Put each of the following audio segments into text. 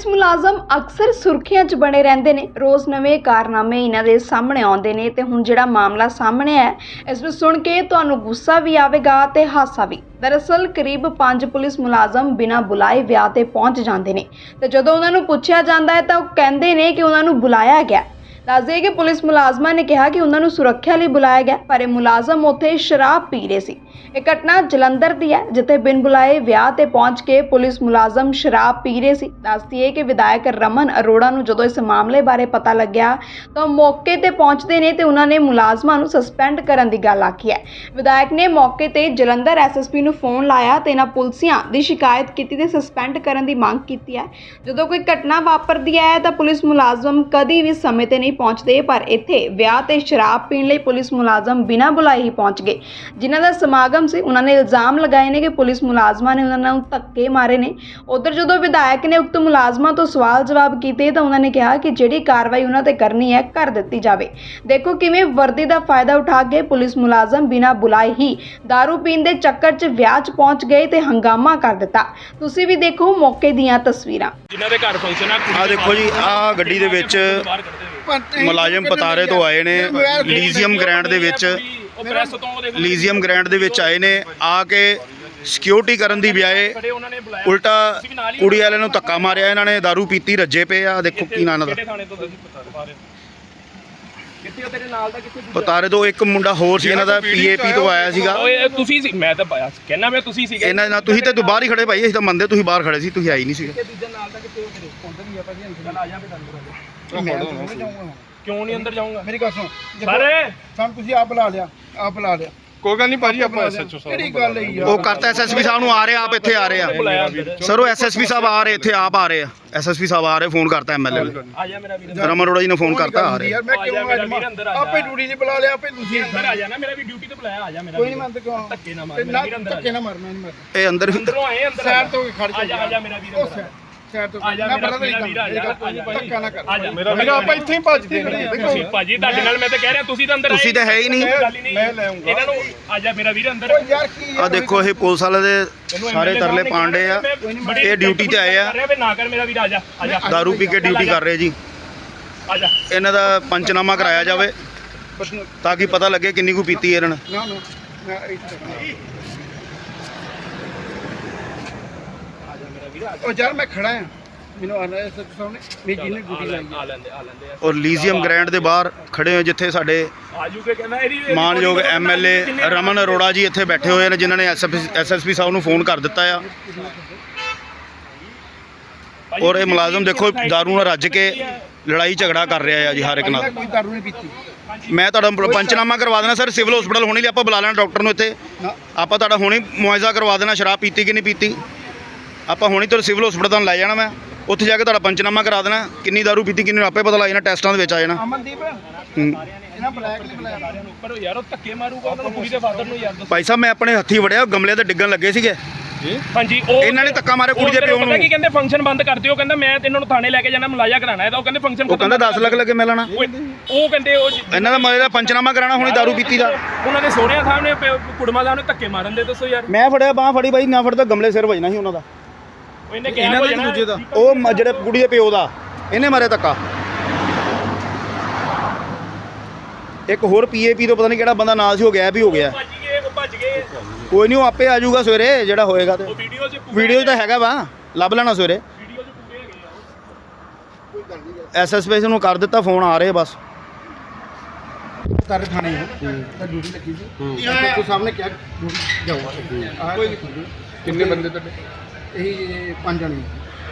Police ਮੁਲਾਜ਼ਮ ਅਕਸਰ ਸੁਰਖੀਆਂ 'ਚ ਬਣੇ ਰਹਿੰਦੇ ਨੇ। ਰੋਜ਼ ਨਵੇਂ ਕਾਰਨਾਮੇ ਇਹਨਾਂ ਦੇ ਸਾਹਮਣੇ ਆਉਂਦੇ ਨੇ ਤੇ ਹੁਣ ਜਿਹੜਾ ਮਾਮਲਾ ਸਾਹਮਣੇ ਹੈ ਇਸ ਨੂੰ ਸੁਣ ਕੇ ਤੁਹਾਨੂੰ ਗੁੱਸਾ ਵੀ ਆਵੇਗਾ ਤੇ ਹਾਸਾ ਵੀ। ਦਰਅਸਲ ਕਰੀਬ 5 ਪੁਲਿਸ ਮੁਲਾਜ਼ਮ ਬਿਨਾਂ ਬੁਲਾਏ ਵਿਆਹ ਤੇ ਪਹੁੰਚ ਜਾਂਦੇ ਨੇ ਤੇ ਜਦੋਂ ਉਹਨਾਂ ਨੂੰ ਪੁੱਛਿਆ ਜਾਂਦਾ ਹੈ ਤਾਂ ਉਹ ਕਹਿੰਦੇ ਨੇ ਕਿ ਉਹਨਾਂ ਨੂੰ ਬੁਲਾਇਆ ਗਿਆ। ਦੱਸ ਦਈਏ ਕਿ ਪੁਲਿਸ ਮੁਲਾਜ਼ਮਾਂ ਨੇ ਕਿਹਾ ਕਿ ਉਹਨਾਂ ਨੂੰ ਸੁਰੱਖਿਆ ਲਈ ਬੁਲਾਇਆ ਗਿਆ, ਪਰ ਇਹ ਮੁਲਾਜ਼ਮ ਉੱਥੇ ਸ਼ਰਾਬ ਪੀ ਰਹੇ ਸੀ। ਇਹ ਘਟਨਾ ਜਲੰਧਰ ਦੀ ਹੈ, ਜਿੱਥੇ ਬਿਨ ਬੁਲਾਏ ਵਿਆਹ ਤੇ ਪਹੁੰਚ ਕੇ ਪੁਲਿਸ ਮੁਲਾਜ਼ਮ ਸ਼ਰਾਬ ਪੀ ਰਹੇ ਸੀ। ਦੱਸ ਦਈਏ ਕਿ ਵਿਧਾਇਕ ਰਮਨ ਅਰੋੜਾ ਨੂੰ ਜਦੋਂ ਇਸ ਮਾਮਲੇ ਬਾਰੇ ਪਤਾ ਲੱਗਿਆ ਤਾਂ ਮੌਕੇ ਤੇ ਪਹੁੰਚਦੇ ਨੇ ਤੇ ਉਹਨਾਂ ਨੇ ਮੁਲਾਜ਼ਮਾਂ ਨੂੰ ਸਸਪੈਂਡ ਕਰਨ ਦੀ ਗੱਲ ਆਖੀ ਹੈ। ਵਿਧਾਇਕ ਨੇ ਮੌਕੇ ਤੇ ਜਲੰਧਰ ਐਸਐਸਪੀ ਨੂੰ ਫੋਨ ਲਾਇਆ ਤੇ ਇਹਨਾਂ ਪੁਲਸੀਆਂ ਦੀ ਸ਼ਿਕਾਇਤ ਕੀਤੀ ਤੇ ਸਸਪੈਂਡ ਕਰਨ ਦੀ ਮੰਗ ਕੀਤੀ ਹੈ। ਜਦੋਂ ਕੋਈ ਘਟਨਾ ਵਾਪਰਦੀ ਹੈ ਤਾਂ ਪੁਲਿਸ ਮੁਲਾਜ਼ਮ ਕਦੀ ਵੀ ਸਮੇਂ ਤੇ ਨਹੀਂ ਪਹੁੰਚਦੇ, ਪਰ ਇੱਥੇ ਵਿਆਹ ਤੇ ਸ਼ਰਾਬ ਪੀਣ ਲਈ ਪੁਲਿਸ ਮੁਲਾਜ਼ਮ ਬਿਨਾਂ ਬੁਲਾਏ ਹੀ ਪਹੁੰਚ ਗਏ। ਜਿਨ੍ਹਾਂ ਦਾ ਸਮਾਗਮ ਸੀ ਉਹਨਾਂ ਨੇ ਇਲਜ਼ਾਮ ਲਗਾਏ ਨੇ ਕਿ ਪੁਲਿਸ ਮੁਲਾਜ਼ਮਾਂ ਨੇ ਉਹਨਾਂ ਨੂੰ ਧੱਕੇ ਮਾਰੇ ਨੇ। ਉਧਰ ਜਦੋਂ ਵਿਧਾਇਕ ਨੇ ਉਕਤ ਮੁਲਾਜ਼ਮਾਂ ਤੋਂ ਸਵਾਲ ਜਵਾਬ ਕੀਤੇ ਤਾਂ ਉਹਨਾਂ ਨੇ ਕਿਹਾ ਕਿ ਜਿਹੜੀ ਕਾਰਵਾਈ ਉਹਨਾਂ ਤੇ ਕਰਨੀ ਹੈ ਕਰ ਦਿੱਤੀ ਜਾਵੇ। ਦੇਖੋ ਕਿਵੇਂ ਵਰਦੀ ਦਾ ਫਾਇਦਾ ਉਠਾ ਕੇ ਪੁਲਿਸ ਮੁਲਾਜ਼ਮ ਬਿਨਾਂ ਬੁਲਾਏ ਹੀ ਦਾਰੂ ਪੀਣ ਦੇ ਚੱਕਰ 'ਚ ਵਿਆਹ 'ਚ ਪਹੁੰਚ ਗਏ ਤੇ ਹੰਗਾਮਾ ਕਰ ਦਿੱਤਾ। ਤੁਸੀਂ ਵੀ ਦੇਖੋ ਮੌਕੇ ਦੀਆਂ ਤਸਵੀਰਾਂ। ਜਿਨ੍ਹਾਂ ਦੇ ਘਰ ਫੰਕਸ਼ਨ ਆ ਦੇਖੋ ਜੀ, ਆ ਗੱਡੀ ਦੇ ਵਿੱਚ ਮੁਲਾਜ਼ਮ ਪਤਾਰੇ ਤੋਂ ਆਏ ਨੇ। ਲੀਜ਼ੀਅਮ ਗ੍ਰੈਂਡ ਦੇ ਵਿੱਚ ਆਏ ਨੇ। ਆ ਕੇ ਸਿਕਿਉਰਿਟੀ ਕਰਨ ਦੀ ਬਜਾਏ ਉਲਟਾ ਕੁੜੀ ਵਾਲਿਆਂ ਨੂੰ ਧੱਕਾ ਮਾਰਿਆ। ਇਹਨਾਂ ਨੇ ਦਾਰੂ ਪੀਤੀ, ਰੱਜੇ ਪਏ ਆ। ਦੇਖੋ ਕੀ ਨਾਂ ਦਾ ਪਤਾਰੇ ਤੋਂ ਇੱਕ ਮੁੰਡਾ ਹੋਰ ਸੀ, ਇਹਨਾਂ ਦਾ ਪੀਏਪੀ ਤੋਂ ਆਇਆ ਸੀਗਾ। ਤੁਸੀਂ ਸੀ? ਮੈਂ ਤਾਂ ਕਹਿੰਦਾ ਮੈਂ ਤੁਸੀਂ ਸੀਗੇ। ਇਹਨਾਂ ਨਾਲ ਤੁਸੀਂ ਤੇ ਬਾਹਰ ਹੀ ਖੜੇ ਭਾਈ, ਅਸੀਂ ਤਾਂ ਮੰਨਦੇ ਤੁਸੀਂ ਬਾਹਰ ਖੜੇ ਸੀ, ਤੁਸੀਂ ਆਈ ਨਹੀਂ ਸੀਗੇ। ਕਿਉਂ ਨਹੀਂ ਅੰਦਰ ਜਾਊਂਗਾ? ਮੇਰੀ ਗੱਲ ਸੁਣ ਸਾਰੇ ਸਾਨੂੰ ਤੁਸੀਂ ਆਪ ਬੁਲਾ ਲਿਆ ਕੋਈ ਗੱਲ ਨਹੀਂ ਭਾਜੀ, ਆਪਾਂ ਐਸਐਚਓ ਸਾਹਿਬ ਕਿਹੜੀ ਗੱਲ ਹੈ ਯਾਰ। ਉਹ ਕਰਤਾ ਐਸਐਸਪੀ ਸਾਹਿਬ ਨੂੰ ਆ ਰਹੇ, ਆਪ ਇੱਥੇ ਆ ਰਹੇ ਆ ਸਰ। ਉਹ ਐਸਐਸਪੀ ਸਾਹਿਬ ਆ ਰਹੇ, ਇੱਥੇ ਆਪ ਆ ਰਹੇ ਆ। ਐਸਐਸਪੀ ਸਾਹਿਬ ਆ ਰਹੇ, ਫੋਨ ਕਰਤਾ ਐਮਐਲਏ ਨੂੰ। ਆ ਜਾ ਮੇਰਾ ਵੀਰ, ਰਮਨ ਅਰੋੜਾ ਜੀ ਨੇ ਫੋਨ ਕਰਤਾ, ਆ ਰਹੇ। ਯਾਰ ਮੈਂ ਕਿਉਂ ਆ ਜਾਵਾਂ? ਆਪੇ ਡਿਊਟੀ ਤੇ ਬੁਲਾ ਲਿਆ, ਆਪੇ ਤੁਸੀਂ ਅੰਦਰ ਆ ਜਾ ਨਾ। ਮੇਰਾ ਵੀ ਡਿਊਟੀ ਤੇ ਬੁਲਾਇਆ। ਆ ਜਾ ਮੇਰਾ ਕੋਈ ਨਹੀਂ ਮੰਨਦਾ ਕਿਉਂ? ਧੱਕੇ ਨਾ ਮਾਰ ਮੇਰਾ ਵੀਰ, ਅੰਦਰ ਧੱਕੇ ਨਾ ਮਾਰ, ਮੈਂ ਨਹੀਂ ਮਾਰਦਾ। ਇਹ ਅੰਦਰ ਅੰਦਰੋਂ ਆਏ, ਅੰਦਰ ਸਾਈਡ ਤੋਂ ਖੜ ਆ ਜਾ। ਆ ਜਾ ਮੇਰਾ ਵੀਰ, ਅੰਦਰ ਸਾਈਡ ਤੋਂ ਆ ਜਾ ਮੈਂ ਮੇਰਾ ਬੜਾ ਵੀਰ, ਆ ਜਾ ਧੱਕਾ ਨਾ ਕਰ। ਆ ਜਾ ਮੇਰਾ ਆਪਾਂ ਇੱਥੇ ਹੀ ਭੱਜਦੇ ਤੁਸੀਂ ਭਾਜੀ, ਤੁਹਾਡੇ ਨਾਲ ਮੈਂ ਤਾਂ ਕਹਿ ਰਿਹਾ, ਤੁਸੀਂ ਤਾਂ ਅੰਦਰ ਤੁਸੀਂ ਤਾਂ ਹੈ ਹੀ ਨਹੀਂ। ਮੈਂ ਲੈ ਆਉਂਗਾ ਇਹਨਾਂ ਨੂੰ। ਆ ਜਾ ਮੇਰਾ ਵੀਰ, ਅੰਦਰ। ਯਾਰ ਕੀ ਆ ਦੇਖੋ, ਇਹ ਪੁਲਿਸ ਵਾਲੇ ਦੇ ਸਾਰੇ ਤਰਲੇ ਪਾਂਡੇ ਆ। ਇਹ ਡਿਊਟੀ ਤੇ ਆਏ ਆ, ਨਾ ਕਰ ਮੇਰਾ ਵੀਰ, ਆ ਜਾ। ਆ ਜਾ, ਦਾਰੂ ਪੀ ਕੇ ਡਿਊਟੀ ਕਰ ਰਹੇ ਜੀ। ਆ ਜਾ। ਇਹਨਾਂ ਦਾ ਪੰਚਨਾਮਾ ਕਰਾਇਆ ਜਾਵੇ ਤਾਂ ਕਿ ਪਤਾ ਲੱਗੇ ਕਿੰਨੀ ਕੁ ਪੀਤੀ ਇਹਨਾਂ ਨੇ। ਨਾ ਨਾ ਮੈਂ ਇੱਥੇ ਉਹ ਯਾਰ ਮੈਂ ਖੜਾ ਆ, ਮੈਨੂੰ ਆਣਾ ਹੈ ਸਾਹਮਣੇ ਮੇਰੀ ਜਿਹਨੇ ਡਿਊਟੀ ਲਾਈ ਆ ਲੈਂਦੇ ਔਰ ਲੀਜ਼ੀਅਮ ਗ੍ਰੈਂਡ ਦੇ ਬਾਹਰ ਖੜੇ ਹੋ, ਜਿੱਥੇ ਸਾਡੇ ਆਜੂਗੇ ਕਹਿੰਦਾ ਇਹਦੀ ਮਾਨਯੋਗ ਐਮਐਲਏ ਰਮਨ ਅਰੋੜਾ ਜੀ ਇੱਥੇ ਬੈਠੇ ਹੋਏ ਨੇ, ਜਿਨ੍ਹਾਂ ਨੇ ਐਸਐਸਪੀ ਸਾਹਿਬ ਨੂੰ ਫੋਨ ਕਰ ਦਿੱਤਾ ਆ। ਔਰ ਇਹ ਮੁਲਾਜ਼ਮ ਦੇਖੋ ਦਾਰੂ ਨਾਲ ਰੱਜ ਕੇ ਲੜਾਈ ਝਗੜਾ ਕਰ ਰਿਹਾ ਆ ਜੀ ਹਰ ਇੱਕ ਨਾਲ। ਕੋਈ ਦਾਰੂ ਨਹੀਂ ਪੀਤੀ। ਮੈਂ ਤੁਹਾਡਾ ਪੰਚਨਾਮਾ ਕਰਵਾ ਦੇਣਾ ਸਰ, ਸਿਵਲ ਹਸਪੀਟਲ ਹੋਣੀ ਲਈ ਆਪਾਂ ਬੁਲਾ ਲੈਣਾ ਡਾਕਟਰ ਨੂੰ ਇੱਥੇ। ਆਪਾਂ ਤੁਹਾਡਾ ਹੁਣੇ ਮੁਆਇਜ਼ਾ ਕਰਵਾ ਦੇਣਾ, ਸ਼ਰਾਬ ਪੀਤੀ ਕਿ ਨਹੀਂ ਪੀਤੀ। ਆਪਾਂ ਹੁਣੀ ਤੁਹਾਨੂੰ ਸਿਵਲ ਹਸਪੀਟਲ ਤੁਹਾਨੂੰ ਲੈ ਜਾਣਾ, ਮੈਂ ਉੱਥੇ ਜਾ ਕੇ ਤੁਹਾਡਾ ਪੰਚਨਾਮਾ ਕਰਾ ਦੇਣਾ, ਕਿੰਨੀ ਦਾਰੂ ਪੀਤੀ ਕਿੰਨੀ ਆਪੇ ਪਤਾ ਲੱਗ ਜਾਣਾ, ਟੈਸਟਾਂ ਦੇ ਵਿੱਚ ਆ ਜਾਣਾ। ਅਮਨਦੀਪ ਇਹਨਾਂ ਬਲੈਕ ਨਹੀਂ ਬੁਲਾਇਆ ਉੱਪਰ ਯਾਰ, ਉਹ ਧੱਕੇ ਮਾਰੂਗਾ ਉਹਨਾਂ ਨੂੰ, ਕੁੜੀ ਦੇ ਫਾਦਰ ਨੂੰ ਯਾਰ। ਭਾਈ ਸਾਹਿਬ ਮੈਂ ਆਪਣੇ ਹੱਥੀ ਵੜਿਆ, ਗਮਲੇ ਤੇ ਡਿੱਗਣ ਲੱਗੇ ਸੀਗੇ। ਹਾਂਜੀ, ਉਹ ਇਹਨਾਂ ਨੇ ਧੱਕਾ ਮਾਰਿਆ ਕੁੜੀ ਦੇ ਪਿਓ ਨੂੰ। ਕੀ ਕਹਿੰਦੇ ਫੰਕਸ਼ਨ ਬੰਦ ਕਰ ਦਿਓ, ਕਹਿੰਦਾ ਮੈਂ ਇਹਨਾਂ ਨੂੰ ਥਾਣੇ ਲੈ ਕੇ ਜਾਣਾ, ਮੁਲਾਜ਼ਾ ਕਰਾਣਾ ਹੈ। ਤਾਂ ਉਹ ਕਹਿੰਦੇ ਫੰਕਸ਼ਨ ਉਹ ਕਹਿੰਦਾ 10 ਲੱਖ ਲੱਗੇ ਮਿਲਣਾ। ਉਹ ਕਹਿੰਦੇ ਉਹ ਇਹਨਾਂ ਦਾ ਮਰੇ ਦਾ ਪੰਚਨਾਮਾ ਕਰਾਣਾ ਹੁਣੀ ਦਾਰੂ ਪੀਤੀ ਦਾ। ਉਹਨਾਂ ਦੇ ਸੋਹਰਿਆਂ ਸਾਹਮਣੇ ਕੁੜਮਾ ਸਾਹਿਬ ਨੇ ਧੱਕੇ ਮਾਰਨ ਦੇ। ਦੱਸੋ ਯਾਰ, ਮੈਂ ਫੜਿਆ ਬਾਹ ਫੜੀ ਬਾਈ, ਨਾ ਫੜਦਾ ਗਮਲੇ ਸਿਰ ਵੱਜਣਾ ਸੀ ਉਹਨਾਂ ਦਾ। ਇਹਨੇ ਕਿਹਾ ਦੂਜੇ ਦਾ, ਉਹ ਜਿਹੜੇ ਕੁੜੀ ਦੇ ਪਿਓ ਦਾ ਇਹਨੇ ਮਾਰਿਆ ਧੱਕਾ। ਇੱਕ ਹੋਰ ਪੀਏਪੀ ਤੋਂ ਪਤਾ ਨਹੀਂ ਕਿਹੜਾ ਬੰਦਾ ਨਾਲ ਸੀ, ਹੋ ਗਿਆ ਵੀ ਹੋ ਗਿਆ। ਭੱਜ ਗਏ। ਕੋਈ ਨਹੀਂ, ਉਹ ਆਪੇ ਆ ਜਾਊਗਾ ਸਵੇਰੇ ਜਿਹੜਾ ਹੋਏਗਾ। ਤੇ ਵੀਡੀਓ 'ਚ ਤਾਂ ਹੈਗਾ ਵਾ, ਲੱਭ ਲੈਣਾ ਸਵੇਰੇ। ਐਸਐਸਪੀ ਨੂੰ ਕਰ ਦਿੱਤਾ ਫੋਨ, ਆ ਰਹੇ ਬਸ। ਸਾਰੇ ਥਾਣੇ ਤਾਂ ਡਿਊਟੀ ਲੱਗੀ ਸੀ। ਕੋਈ ਸਾਹਮਣੇ ਕਿਹਾ ਡਿਊਟੀ ਜਾਊਗਾ। ਕਿੰਨੇ ਬੰਦੇ ਤੁਹਾਡੇ? ਇਹ 5 ਜਣੇ।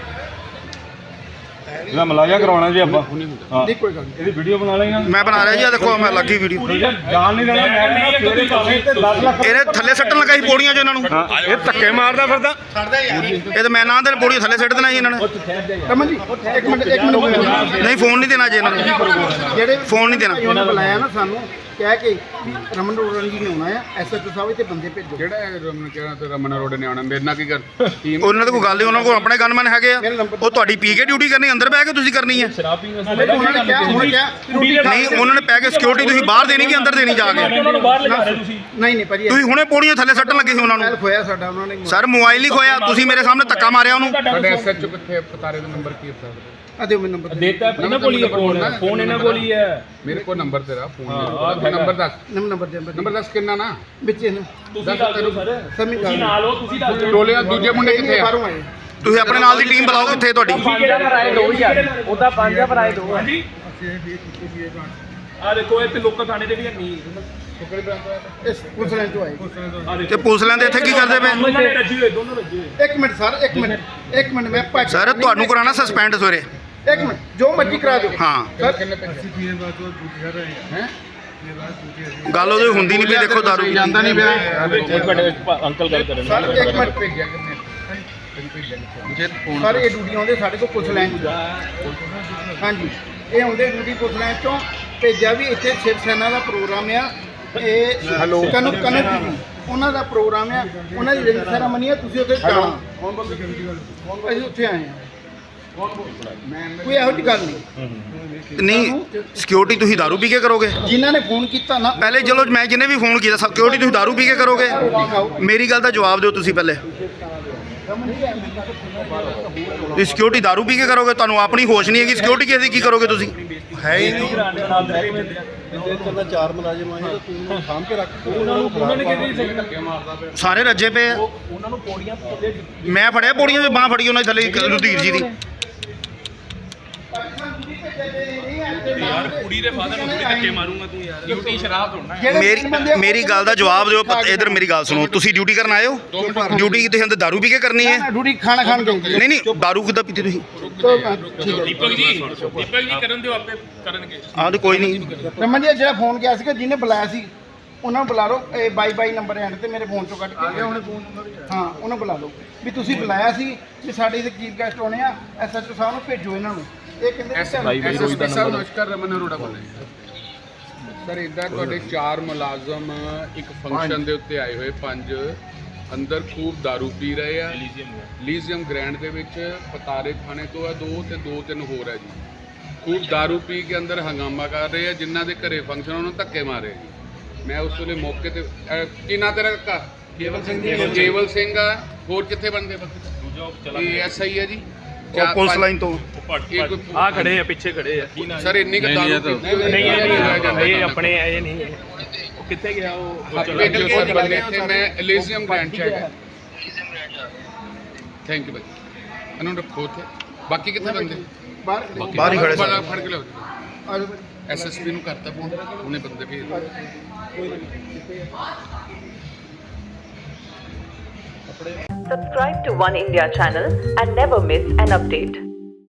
ਇਹਦਾ ਮਲਾਜਾ ਕਰਵਾਉਣਾ ਜੀ ਆਪਾਂ। ਨਹੀਂ ਕੋਈ ਗੱਲ ਨਹੀਂ। ਇਹਦੀ ਵੀਡੀਓ ਬਣਾ ਲੈਣਾ। ਮੈਂ ਬਣਾ ਰਿਹਾ ਜੀ, ਆ ਦੇਖੋ ਮੈਂ ਲੱਗੀ ਵੀਡੀਓ। ਜਾਣ ਨਹੀਂ ਦੇਣਾ। ਮੈਂ ਸਵੇਰੇ ਭਾਵੇਂ ਤੇ 10 ਲੱਖ ਇਹਨੇ ਥੱਲੇ ਸੱਟਣ ਲੱਗਾ ਸੀ ਪੌੜੀਆਂ 'ਚ ਇਹਨਾਂ ਨੂੰ। ਇਹ ਧੱਕੇ ਮਾਰਦਾ ਫਿਰਦਾ। ਇਹ ਤਾਂ ਮੈਂ ਨਾ ਦੇ ਪੌੜੀਆਂ ਥੱਲੇ ਸੱਟ ਦੇਣਾ ਸੀ ਇਹਨਾਂ ਨੇ। ਰਮਨ ਜੀ ਇੱਕ ਮਿੰਟ ਨਹੀਂ, ਫੋਨ ਨਹੀਂ ਦੇਣਾ ਜੀ ਇਹਨਾਂ ਨੂੰ, ਜਿਹੜੇ ਫੋਨ ਨਹੀਂ ਦੇਣਾ। ਉਹਨਾਂ ਬੁਲਾਇਆ ਨਾ ਸਾਨੂੰ, ਕਹਿ ਕੇ ਵੀ ਰਮਨ ਰੋੜਨ ਜੀ ਨੇ ਆਉਣਾ ਆ ਐਸਐਚਓ ਸਾਹਿਬ ਇੱਥੇ ਬੰਦੇ ਭੇਜੋ। ਜਿਹੜਾ ਰਮਨ ਕਿਹੜਾ ਤੇ ਰਮਨ ਰੋਡ ਨੇ ਆਉਣਾ ਮੇਰੇ ਨਾਲ ਕੀ ਕਰ ਟੀਮ ਉਹਨਾਂ ਦੇ ਕੋਈ ਗੱਲ ਨਹੀਂ, ਉਹਨਾਂ ਕੋਲ ਆਪਣੇ ਗਨਮੈਨ ਹੈਗੇ ਆ। ਉਹ ਤੁਹਾਡੀ ਪੀ ਕੇ ਡਿਊਟੀ ਕਰਨੀ, ਅੰਦਰ ਬਹਿ ਕੇ ਤੁਸੀਂ ਕਰਨੀ ਹੈ। ਉਹਨਾਂ ਨੇ ਕਿਹਾ ਹੁਣ ਕਿਹਾ ਰੋਟੀ ਨਹੀਂ, ਉਹਨਾਂ ਨੇ ਪੈ ਕੇ ਸਿਕਿਉਰਿਟੀ ਤੁਸੀਂ ਬਾਹਰ ਦੇਣੀ ਕਿ ਅੰਦਰ ਦੇਣੀ ਜਾ ਕੇ? ਉਹਨਾਂ ਨੂੰ ਬਾਹਰ ਲਿਜਾ ਰਹੇ ਤੁਸੀਂ। ਨਹੀਂ ਭਾਜੀ ਤੁਸੀਂ ਹੁਣੇ ਪੌੜੀਆਂ ਥੱਲੇ ਸੱਟਣ ਲੱਗੇ ਸੀ ਉਹਨਾਂ ਮੋਬਾਈਲ ਨੂੰ। ਖੋਇਆ ਸਾਡਾ ਉਹਨਾਂ ਨੇ। ਸਰ ਮੋਬਾਈਲ ਹੀ ਖੋਇਆ, ਤੁਸੀਂ ਮੇਰੇ ਸਾਹਮਣੇ ਧੱਕਾ ਮਾਰਿਆ ਉਹਨੂੰ। ਸਾਡੇ ਐਸਐਚਓ ਕਿੱਥੇ ਪਤਾਰੇ ਦਾ ਨੰਬਰ ਕੀ ਹੈ? ਆ ਦਿਓ ਮੈਨੂੰ ਨੰਬਰ। ਦੇਤਾ ਇਹਨਾਂ ਕੋਲ ਹੀ ਹੈ ਫੋਨ ਇਹਨਾਂ ਕੋਲ ਹੀ ਹੈ। ਮੇਰੇ ਕੋਲ ਨੰਬਰ ਤੇਰਾ ਫੋਨ ਨੰਬਰ ਦੱਸ। ਨੰਬਰ ਦੱਸ ਕਿੰਨਾ ਨਾ ਵਿੱਚ ਇਹਨਾਂ ਤੁਸੀਂ ਦੱਸ ਦਿਓ ਸਰ, ਸਮਝ ਤੁਸੀਂ ਨਾਲ ਹੋ, ਤੁਸੀਂ ਦੱਸ ਦਿਓ। ਟੋਲੇ ਦੂਜੇ ਮੁੰਡੇ ਕਿੱਥੇ ਆ? ਬਾਹਰੋਂ ਆਏ। ਤੁਸੀਂ ਆਪਣੇ ਨਾਲ ਦੀ ਟੀਮ ਬੁਲਾਓ, ਕਿੱਥੇ ਤੁਹਾਡੀ? ਉਹਦਾ 5000 ਭਰਾਏ ਦੋ। ਹਾਂਜੀ ਆ ਦੇਖੋ ਇੱਥੇ ਲੋਕਾਂ ਥਾਣੇ ਦੇ ਵੀ ਨਹੀਂ। ਇਸ ਪੁਲਿਸ ਲਾਈਨ ਤੋਂ ਆਏ। ਤੇ ਪੁਲਿਸ ਲੈਂਦੇ ਇੱਥੇ ਕੀ ਕਰਦੇ ਪਏ? ਉਹਨਾਂ ਨੇ ਰੱਜੀ ਹੋਏ, ਦੋਨੋਂ ਰੱਜੀ ਹੋਏ। ਇੱਕ ਮਿੰਟ ਸਰ, ਇੱਕ ਮਿੰਟ ਮੈਂ ਭੱਜ। ਸਰ ਤੁਹਾਨੂੰ ਕਰਾਣਾ ਸਸਪੈਂਡ ਸਵੇਰੇ। ਇੱਕ ਮਿੰਟ, ਜੋ ਮਰਜ਼ੀ ਕਰਾ ਦਿਓ। ਹਾਂ, ਸਰ ਕਿੰਨੇ ਪੈਸੇ ਹੈ? ਗੱਲ ਉਹਦੀ ਹੁੰਦੀ ਨਹੀਂ ਪਈ। ਦੇਖੋ ਦਾਰੂ ਜਾਂਦਾ ਨਹੀਂ ਪਿਆ। ਇੱਕ ਮਿੰਟ ਅੰਕਲ ਗੱਲ ਕਰਨ ਸਰ ਇੱਕ ਮਿੰਟ ਭੇਜਿਆ ਕਿੰਨੇ? ਜੇ ਫੋਨ ਸਰ ਇਹ ਡਿਊਟੀ ਆਉਂਦੇ ਸਾਡੇ ਕੋਲ ਪੁਲਿਸ ਲਾਈਨ ਤੋਂ। ਹਾਂਜੀ, ਇਹ ਆਉਂਦੇ ਡਿਊਟੀ ਪੁਲਿਸ ਲਾਈਨ ਤੋਂ। ਭੇਜਿਆ ਵੀ ਇੱਥੇ ਸ਼ਿਵ ਸੈਨਾ ਦਾ ਪ੍ਰੋਗਰਾਮ ਆ। ਇਹ ਕਨਕ ਉਹਨਾਂ ਦਾ ਪ੍ਰੋਗਰਾਮ ਆ, ਉਹਨਾਂ ਦੀ ਰਿੰਗ ਸੈਰਾਮਨੀ ਆ। ਤੁਸੀਂ ਉੱਥੇ ਜਾਣਾ। ਅਸੀਂ ਉੱਥੇ ਆਏ ਆ। ਕੋਈ ਇਹੋ ਜਿਹੀ ਗੱਲ ਨਹੀਂ। ਨਹੀਂ, ਸਿਕਿਉਰਿਟੀ ਤੁਸੀਂ ਦਾਰੂ ਪੀ ਕੇ ਕਰੋਗੇ? ਜਿਨ੍ਹਾਂ ਨੇ ਫੋਨ ਕੀਤਾ ਨਾ, ਪਹਿਲੇ ਚਲੋ ਮੈਂ ਜਿਹਨੇ ਵੀ ਫੋਨ ਕੀਤਾ, ਸਿਕਿਉਰਿਟੀ ਤੁਸੀਂ ਦਾਰੂ ਪੀ ਕੇ ਕਰੋਗੇ? ਮੇਰੀ ਗੱਲ ਦਾ ਜਵਾਬ ਦਿਓ ਤੁਸੀਂ ਪਹਿਲੇ। ਤੁਸੀਂ ਸਿਕਿਉਰਿਟੀ ਦਾਰੂ ਪੀ ਕੇ ਕਰੋਗੇ? ਤੁਹਾਨੂੰ ਆਪਣੀ ਹੋਸ਼ ਨਹੀਂ ਹੈਗੀ, ਸਿਕਿਉਰਿਟੀ ਕਿਸੇ ਦੀ ਕੀ ਕਰੋਗੇ ਤੁਸੀਂ? ਹੈ ਹੀ ਨਹੀਂ। ਚਾਰ ਮੁਲਾਜ਼ਮ ਆਏ ਤਾਂ ਤੂੰ ਸਾਂਭ ਕੇ ਰੱਖ। ਉਹਨਾਂ ਨੇ ਕਿਹਦੀ ਧੱਕੇ ਮਾਰਦਾ ਪਿਆ। ਸਾਰੇ ਰੱਜੇ ਪਏ ਆ। ਉਹਨਾਂ ਨੂੰ ਪੌੜੀਆਂ ਥੱਲੇ ਮੈਂ ਫੜਿਆ ਪੌੜੀਆਂ 'ਚ, ਬਾਂਹ ਫੜੀ ਉਹਨਾਂ ਦੀ ਥੱਲੇ ਰੁਧੀਰ ਜੀ ਦੀ। ਯਾਰ ਕੁੜੀ ਦੇ ਫਾਦਰ ਨੂੰ ਥੋੜੀ ਧੱਕੇ ਮਾਰੂੰਗਾ ਤੂੰ ਯਾਰ। ਡਿਊਟੀ ਸ਼ਰਾਬ ਥੋੜਨਾ। ਮੇਰੀ ਗੱਲ ਦਾ ਜਵਾਬ ਦਿਓ। ਇਧਰ ਮੇਰੀ ਗੱਲ ਸੁਣੋ, ਤੁਸੀਂ ਡਿਊਟੀ ਕਰਨ ਆਏ ਹੋ? ਡਿਊਟੀ ਤੁਸੀਂ ਅੰਦਰ ਦਾਰੂ ਪੀ ਕੇ ਕਰਨੀ ਹੈ? ਡਿਊਟੀ ਖਾਣਾ ਖਾਣ ਗਏ। ਨਹੀਂ ਨਹੀਂ, ਦਾਰੂ ਕਿੱਦਾਂ ਪੀਤੀ ਤੁਸੀਂ? ਦੀਪਕ ਜੀ ਕਰਨ ਦਿਓ, ਆਪੇ ਕਰਨਗੇ। ਆਹ ਤੇ ਕੋਈ ਨਹੀਂ। ਰਮਨ ਜੀ ਜਿਹੜਾ ਫੋਨ ਗਿਆ ਸੀਗਾ, ਜਿਹਨੇ ਬੁਲਾਇਆ ਸੀ, ਉਹਨਾਂ ਨੂੰ ਬੁਲਾ ਲਓ। ਇਹ 22 ਨੰਬਰ ਐਂਡ ਤੇ ਮੇਰੇ ਫੋਨ ਚੋਂ ਕੱਢ ਕੇ ਉਹਨੇ ਫੋਨ। ਹਾਂ, ਉਹਨਾਂ ਬੁਲਾ ਲਓ ਵੀ ਤੁਸੀਂ ਬੁਲਾਇਆ ਸੀ ਵੀ ਸਾਡੇ ਇੱਥੇ ਚੀਫ ਗੈਸਟ ਆਉਣੇ ਆ, ਐਸਐਚਓ ਸਾਹਿਬ ਨੂੰ ਭੇਜੋ ਇਹਨਾਂ ਨੂੰ। ਇਹ ਕਹਿੰਦੇ ਐਸਐਸਪੀ ਸਾਹਿਬ ਨਮਸਕਾਰ, ਰਮਨ ਅਰੋੜਾ ਬੋਲ ਰਿਹਾ ਸਰ। ਇਦਾਂ ਤੁਹਾਡੇ 4 ਮੁਲਾਜ਼ਮ ਇੱਕ ਫੰਕਸ਼ਨ ਦੇ ਉੱਤੇ ਆਏ ਹੋਏ, 5 ਅੰਦਰ ਖੂਬ दारू ਪੀ ਰਹੇ ਆ। ਲੀਜ਼ੀਅਮ ਗ੍ਰੈਂਡ ਦੇ ਵਿੱਚ ਪਤਾਰੇ ਥਾਣੇ ਤੋਂ ਆ 2 ਤੇ 2-3 ਹੋਰ ਹੈ ਜੀ। ਖੂਬ दारू ਪੀ ਕੇ ਅੰਦਰ ਹੰਗਾਮਾ ਕਰ ਰਹੇ ਆ। ਜਿਨ੍ਹਾਂ ਦੇ ਘਰੇ ਫੰਕਸ਼ਨ ਉਹਨਾਂ ਨੂੰ ਧੱਕੇ ਮਾਰੇ ਜੀ। ਮੈਂ ਉਸ ਵੇਲੇ ਮੌਕੇ ਤੇ ਕੀ ਨਾਂ ਤੇਰਾ ਕਾਕਾ? ਕੇਵਲ ਸਿੰਘ ਆ। ਹੋਰ ਕਿੱਥੇ ਬੰਦੇ? ਇਹ ਐਸਆਈ ਹੈ ਜੀ। ਉਹ ਪੁਲਿਸ ਲਾਈਨ ਤੋਂ ਆ ਖੜੇ ਆ, ਪਿੱਛੇ ਖੜੇ ਆ। ਸਰ ਇੰਨੀ ਕੁ दारू ਨਹੀਂ ਇਹ ਆਪਣੇ ਇਹ ਨਹੀਂ। ਉਹ ਕਿੱਥੇ ਗਿਆ? ਉਹ ਭੇਜੋ ਸਰ ਬੰਦੇ ਇੱਥੇ। ਮੈਂ ਐਲੀਜ਼ੀਅਮ ਗ੍ਰੈਂਡ ਚ ਹੈਗਾ। ਥੈਂਕ ਯੂ ਭਾਈ। ਇਹਨੂੰ ਰੱਖੋ ਉੱਥੇ। ਬਾਕੀ ਕਿੱਥੇ ਬੰਦੇ? ਬਾਹਰ ਹੀ ਖੜੇ ਸਰ। ਫੜ ਕੇ ਲਿਆਓ। ਐਸਐਸਪੀ ਨੂੰ ਕਰਤਾ ਫੋਨ, ਉਹਨੇ ਬੰਦੇ ਭੇਜ ਦਿੱਤੇ। Subscribe to One India channel and never miss an update.